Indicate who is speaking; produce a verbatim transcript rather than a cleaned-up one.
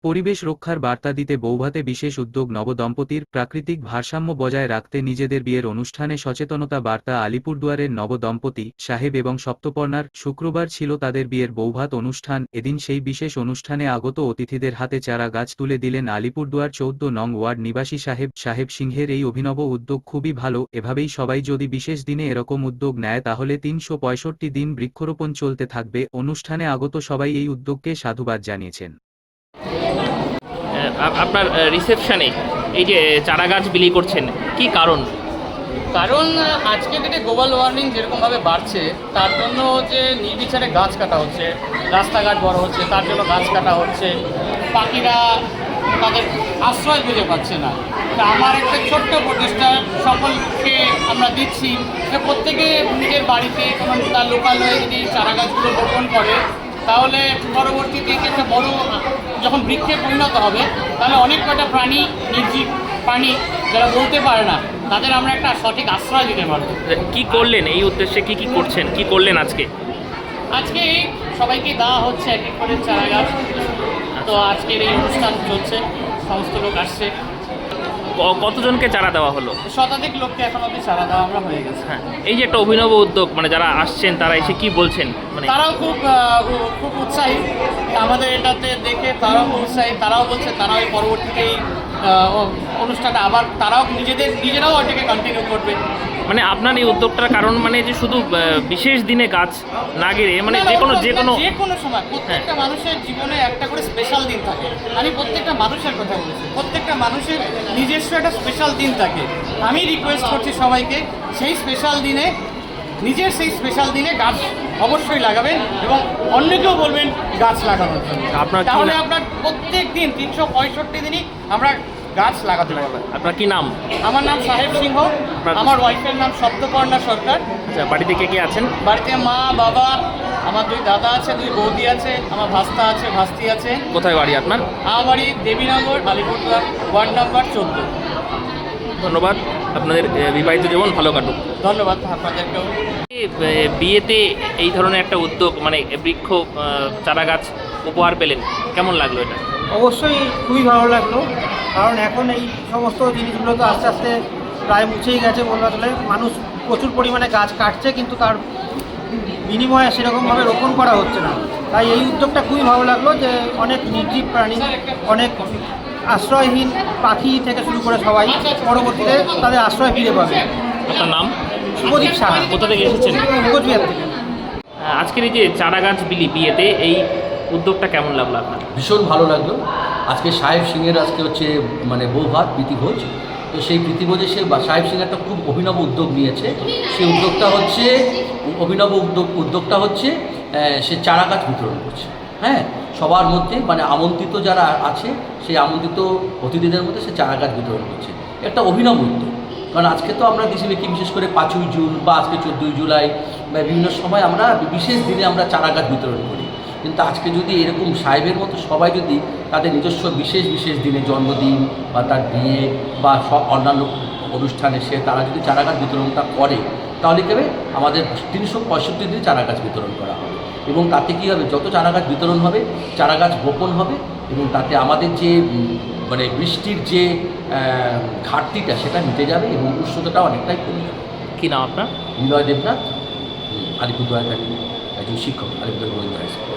Speaker 1: পরিবেশ রক্ষার বার্তা দিতে বৌভাতে বিশেষ উদ্যোগ নবদম্পতির। প্রাকৃতিক ভারসাম্য বজায় রাখতে নিজেদের বিয়ের অনুষ্ঠানে সচেতনতা বার্তা আলিপুরদুয়ারের নবদম্পতি সাহেব এবং সপ্তপর্ণার। শুক্রবার ছিল তাদের বিয়ের বৌভাত অনুষ্ঠান। এদিন সেই বিশেষ অনুষ্ঠানে আগত অতিথিদের হাতে চারা গাছ তুলে দিলেন আলিপুরদুয়ার চৌদ্দ নং ওয়ার্ড নিবাসী সাহেব সাহেব সিংহের। এই অভিনব উদ্যোগ খুবই ভালো। এভাবেই সবাই যদি বিশেষ দিনে এরকম উদ্যোগ নেয় তাহলে তিনশো পঁয়ষট্টি দিন বৃক্ষরোপণ চলতে থাকবে। অনুষ্ঠানে আগত সবাই এই উদ্যোগকে সাধুবাদ জানিয়েছেন।
Speaker 2: আপনার রিসেপশনে এই যে চারা গাছ বিলি করছেন, কি কারণ?
Speaker 3: কারণ আজকে ডেটে গ্লোবাল ওয়ার্মিং যেরকমভাবে বাড়ছে তার জন্য যে নির্বিচারে গাছ কাটা হচ্ছে, রাস্তাঘাট বড় হচ্ছে তার জন্য গাছ কাটা হচ্ছে, পাখিরা তাদের আশ্রয় খুঁজে পাচ্ছে না। তা আমার একটা ছোট্ট প্রচেষ্টা সকলকে আমরা দিচ্ছি যে প্রত্যেকে নিজের বাড়িতে এবং তার লোকালয়ে যদি চারা গাছগুলো রোপণ করে তাহলে পরবর্তীতে একটা বড় যখন বৃক্ষে পরিণত হবে তাহলে অনেক কটা প্রাণী, নির্জীব প্রাণী যারা বলতে পারে না তাদের আমরা একটা সঠিক আশ্রয় দিতে পারবো।
Speaker 2: কি করলেন এই উদ্দেশ্যে, কি কি করছেন, কি করলেন আজকে?
Speaker 3: আজকে সবাইকে দেওয়া হচ্ছে এক এক করে চারা গাছ। তো আজকের এই অনুষ্ঠান চলছে, সমস্ত লোক আসছে।
Speaker 2: কতজনকে চারা দেওয়া হলো?
Speaker 3: শতাধিক লোককে এখন অব্দি চারা দেওয়া আমরা হয়ে গেছে।
Speaker 2: হ্যাঁ, এই যে একটা অভিনব উদ্যোগ, মানে যারা আসছেন তারা এসে কি বলছেন? মানে
Speaker 3: তারাও খুব খুব উৎসাহী আমাদের এটাতে দেখে, তারাও খুব উৎসাহী। তারাও বলছে তারাও এই পরবর্তীতে এই অনুষ্ঠানটা আবার তারাও নিজেদের নিজেরাও ওটাকে কন্টিনিউ করবে।
Speaker 2: মানে আপনার এই উদ্যোগটার কারণ মানে যে শুধু বিশেষ দিনে গাছ না গেড়ে মানে যে কোনো যে কোনো
Speaker 3: যে কোনো সময় প্রত্যেকটা মানুষের জীবনে একটা করে স্পেশাল দিন থাকে। আমি প্রত্যেকটা মানুষের কথা বলছি, প্রত্যেকটা মানুষের নিজস্ব একটা স্পেশাল দিন থাকে। আমি রিকোয়েস্ট করছি সবাইকে সেই স্পেশাল দিনে, নিজের সেই স্পেশাল দিনে গাছ অবশ্যই লাগাবেন এবং অন্যকেও বলবেন গাছ লাগানোর জন্য।
Speaker 2: আপনার
Speaker 3: তাহলে আপনার প্রত্যেক দিন তিনশো পঁয়ষট্টি দিনই আমরা গাছ লাগাতে পারবেন।
Speaker 2: আপনার কি নাম?
Speaker 3: আমার নাম সাহেব সিংহ, আমার ওয়াইফের নাম সপ্তপর্ণা সরকার।
Speaker 2: আচ্ছা, বাড়িতে কে কে আছেন?
Speaker 3: বাড়িতে মা, বাবা, আমার দুই দাদা আছে, দুই বৌদি আছে, আমার ভাস্তা আছে, ভাস্তি আছে।
Speaker 2: কোথায় বাড়ি আপনার?
Speaker 3: আমার বাড়ি দেবীনগর, আলিপুরদুয়ার, ওয়ার্ড নাম্বার চোদ্দ।
Speaker 2: ধন্যবাদ, আপনাদের বিবাহিত জীবন ভালো কাটুক।
Speaker 3: ধন্যবাদ আপনাদেরকেও।
Speaker 2: বিয়েতে এই ধরনের একটা উদ্যোগ মানে বৃক্ষ চারা গাছ উপহার পেলেন, কেমন লাগলো এটা?
Speaker 4: অবশ্যই খুবই ভালো লাগলো, কারণ এখন এই সমস্ত জিনিসগুলো তো আস্তে আস্তে প্রায় মুছেই গেছে বলতে চলে। মানুষ প্রচুর পরিমাণে গাছ কাটছে কিন্তু তার বিনিময়ে সেরকমভাবে রোপণ করা হচ্ছে না। তাই এই উদ্যোগটা খুবই ভালো লাগলো যে অনেক নির্জীব প্রাণী, অনেক আশ্রয়হীন পাখি থেকে শুরু করে সবাই পরবর্তীতে তাদের আশ্রয় ফিরে পাবে।
Speaker 2: আপনার নাম?
Speaker 4: শুভদীপ সাহা।
Speaker 2: কোথা থেকে এসেছেন?
Speaker 4: কোচবিহার থেকে।
Speaker 2: আজকের এই যে চারা গাছ বিলি বিয়েতে এই উদ্যোগটা কেমন লাগলো আপনার?
Speaker 5: ভীষণ ভালো লাগলো। আজকে সাহেব সিংয়ের আজকে হচ্ছে মানে বৌভাত প্রীতিভোজ। তো সেই প্রীতিভোজে সে সাহেব সিং একটা খুব অভিনব উদ্যোগ নিয়েছে। সেই উদ্যোগটা হচ্ছে অভিনব উদ্যোগ উদ্যোগটা হচ্ছে সে চারা গাছ বিতরণ করছে। হ্যাঁ, সবার মধ্যে মানে আমন্ত্রিত যারা আছে সেই আমন্ত্রিত অতিথিদের মধ্যে সে চারা গাছ বিতরণ করছে। একটা অভিনব উদ্যোগ, কারণ আজকে তো আমরা দেশে দেখি বিশেষ করে পাঁচই জুন বা আজকে চোদ্দোই জুলাই বা বিভিন্ন সময় আমরা বিশেষ দিনে আমরা চারা গাছ বিতরণ করি। কিন্তু আজকে যদি এরকম সাহেবের মতো সবাই যদি তাদের নিজস্ব বিশেষ বিশেষ দিনে, জন্মদিন বা তার বিয়ে বা সব অন্যান্য অনুষ্ঠানে সে তারা যদি চারা গাছ বিতরণটা করে তাহলে কী হবে, আমাদের তিনশো পঁয়ষট্টি দিনে চারা গাছ বিতরণ করা হবে। এবং তাতে কী হবে, যত চারা গাছ বিতরণ হবে চারা গাছ বপন হবে এবং তাতে আমাদের যে মানে বৃষ্টির যে ঘাটতিটা সেটা মিটে যাবে এবং উষ্ণতাটা অনেকটাই কমে যাবে।
Speaker 2: কী নাম আপনার?
Speaker 5: নিলয় দেবনাথ, আলিপুরদুয়ার থাকি, একজন শিক্ষক, আলিপুরদুয়ার গোবিন্দ হাই স্কুল।